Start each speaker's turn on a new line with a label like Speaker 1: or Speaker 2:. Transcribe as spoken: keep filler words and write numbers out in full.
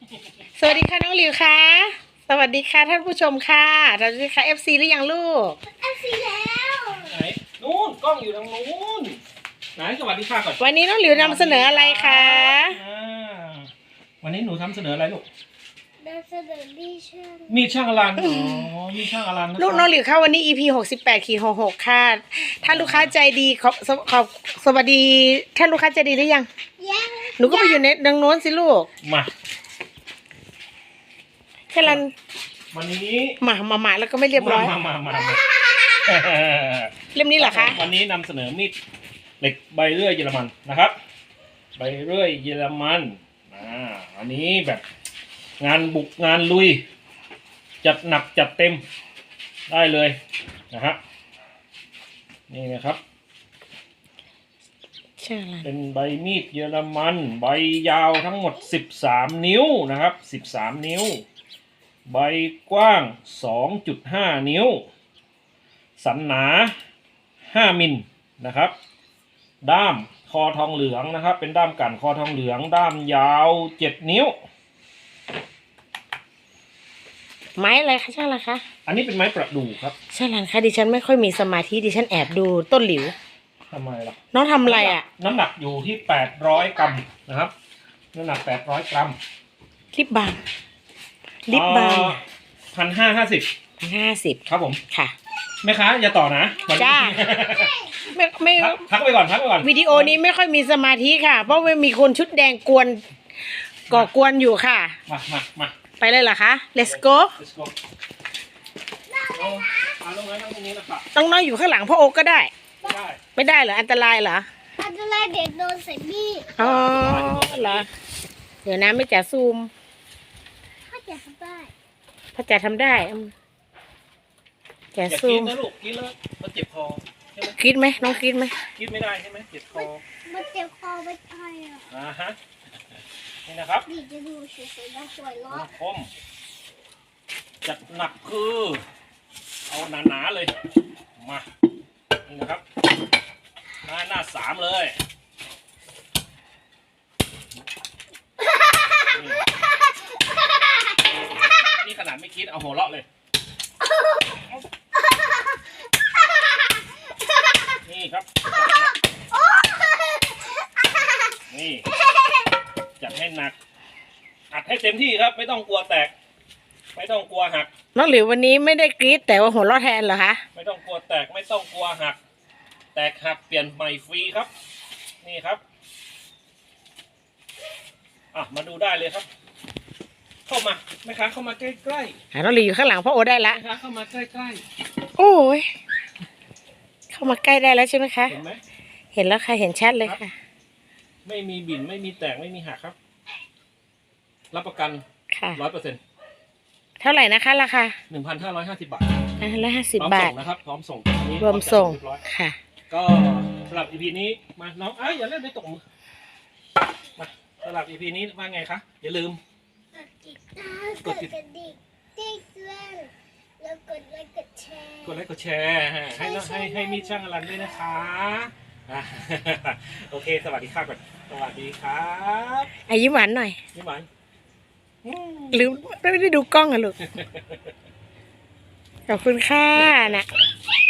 Speaker 1: สวัสดีค่ะน้องหลิวค่ะสวัสดีค่ะท่านผู้ชมค่ะสวัสดีค่ะ เอฟ ซี หรือยังลูก
Speaker 2: เอฟซีแล้ว
Speaker 3: ไหนนู้นกล้องอยู่ทางนู้นไหนสวัสดีค่ะก่อน
Speaker 1: วันนี้น้องหลิวนำเสนออะไรคะ
Speaker 3: อ่าวันนี้หนูทำเสนออะไรลูก
Speaker 2: นำเสนอมีช่าง
Speaker 3: มีดช่างอลันอ๋อมีดช่างอลันนะ
Speaker 1: ลูกน้องหลิวค่ะวันนี้ อี พี หกสิบแปดขีดหกหกค่ะท่านลูกค้าใจดีขอบขอบขอบสวัสดีท่านลูกค้าใจดีหรือยัง
Speaker 2: ยัง
Speaker 1: หนูก็ไปอยู่ในดังโน้นสิลูก
Speaker 3: มา
Speaker 1: แค่รัน
Speaker 3: วันนี้
Speaker 1: มามามาแล้วก็ไม่เรียบร้อย
Speaker 3: มามามามา
Speaker 1: เล่มนี้เหรอคะ
Speaker 3: วันนี้นำเสนอมีดเหล็กใบเลื่อยเยอรมันนะครับใบเลื่อยเยอรมันอ่าอันนี้แบบงานบุกงานลุยจัดหนักจัดเต็มได้เลยนะฮะนี่นะครับ
Speaker 1: ใช่รัน
Speaker 3: เป็นใบมีดเยอรมันใบยาวทั้งหมดสิบสามนิ้วนะครับสิบสามนิ้วใบกว้าง สองจุดห้า นิ้วสันหนาห้ามิลนะครับด้ามคอทองเหลืองนะครับเป็นด้ามกั่นคอทองเหลืองด้ามยาวเจ็ดนิ้ว
Speaker 1: ไม้อะไรคะช่างล่ะคะ
Speaker 3: อันนี้เป็นไม้ประดู่ครับ
Speaker 1: ช่างรันคะดิฉันไม่ค่อยมีสมาธิดิฉันแอบดูต้นหลิว
Speaker 3: ทำไมล่ะ
Speaker 1: น้องทำอะไรอ่ะ
Speaker 3: น้ำหนักอยู่ที่แปดร้อยกรัมนะครับน้ำหนักแปดร้อยกรัม
Speaker 1: ลิปบาล์มลิปบาล์ม
Speaker 3: พันห้าห้าสิบ
Speaker 1: ห้าสิบ
Speaker 3: ครับผม
Speaker 1: ค่ะ
Speaker 3: แม่ค้าอย่าต่อนะวันนี้
Speaker 1: จ้า ไม่ไม่
Speaker 3: พักพักไปก่อนพักไปก่อน
Speaker 1: วิดีโอนี้ไม่ค่อยมีสมาธิค่ะ เพราะว่ามีคนชุดแดงกวนก่อกวนอยู่ค่ะ
Speaker 3: มามามา
Speaker 1: ไปเลยเหรอคะ let's go
Speaker 3: let's go เอาเอาลงไว้นั่งตรงนี้นะครับ
Speaker 1: ต้องน้อยอยู่ข้างหลังพ่อโอ๊กก็ได้
Speaker 3: ได้
Speaker 1: ไม่ได้เหรออันตรายเหรอ
Speaker 2: อันตรายเด็กโดนใส่มีด
Speaker 1: อ๋อเหรอเดี๋ยวนะไม่จ๋าซูม
Speaker 2: ถ้าจะทำได้
Speaker 1: พ่อจ๋าทำได้อืมจ๋า
Speaker 3: อย่า
Speaker 1: ซู
Speaker 3: กิน
Speaker 1: ม
Speaker 3: นะลูกกินแล้วมันเจ็บคอใช่ไหม
Speaker 1: คิดไหมน้องคิดไหม
Speaker 3: กินไม่ได้ใช่ไหมเจ็บคอ
Speaker 2: มันเจ็บคอไม่ใช่อ่ะ
Speaker 3: อ่าฮะนี่นะครับ
Speaker 2: ดีจะดูสวยๆแล้วสวยล้อ
Speaker 3: คมจัดหนักคือเอาหนาๆเลยมานี่นะครับหน้าหน้าสามเลยนี่นี่ขนาดไม่คิดเอาหัวเราะเลยนี่ครับนี่จัดให้หนักอัดให้เต็มที่ครับไม่ต้องกลัวแตก ไม่ต้องกลัวหัก
Speaker 1: น้องหลิววันนี้ไม่ได้กรี๊ดแต่ว่าหัวเราะแทนเหรอคะ
Speaker 3: ไม่ต้องกลัวแตกไม่ต้องกลัวหัก แตกหักเปลี่ยนใหม่ฟรีครับ นี่ครับอ่ะมาดูได้เลยครับ เข้ามาแม่ค้าเข้ามาใกล้ๆ
Speaker 1: อ่ะน้องหลิวอยู่ข้างหลังพ่อโอ๊ตได้ละ
Speaker 3: แม่ค้าเข้ามาใกล้
Speaker 1: โอ้ยเข้ามาใกล้ได้แล้วใช่ไหมคะ
Speaker 3: ๆเห็นไหม
Speaker 1: เห็นแล้วค่ะเห็นชัดเลยค่ะ
Speaker 3: ไม่มีบิ่นไม่มีแตกไม่มีหักครับ รับประกัน
Speaker 1: ค่ะ
Speaker 3: ร้อยเปอร์เซ็นต์
Speaker 1: เท่าไหร่นะคะราคา
Speaker 3: หนึ่งพันห้าร้อยห้าสิบบาท
Speaker 1: อ่ะร้อยห้าสิบ
Speaker 3: พร้อม
Speaker 1: บา
Speaker 3: ส่
Speaker 1: ท
Speaker 3: งนะครับพร้อมส่งอันนี้
Speaker 1: รวมส่ง
Speaker 3: เรียบร้อย
Speaker 1: ค่ะ
Speaker 3: ก็สำหรับ อี พี นี้มาน้องเอ้ยอย่าเล่นไม่ตกมือมาสำหรับ อี พี นี้ว่าไงคะอย่าลืม
Speaker 2: กดติดตามกดกระดิ่งติ๊กด้วยแล้วกดไลค์กดแชร์
Speaker 3: กดไลค์กดแชร์ให้น้องให้ให้มีช่างอลันด้วยนะคะอ่ะ โอเค สวัสดีครับก่อนสวัสดีครับ
Speaker 1: อายิ้มหวานหน่อย
Speaker 3: พี่หวานอืม
Speaker 1: หรือไม่ได้ดูกล้องอะลูก ขอบคุณค่ะนะ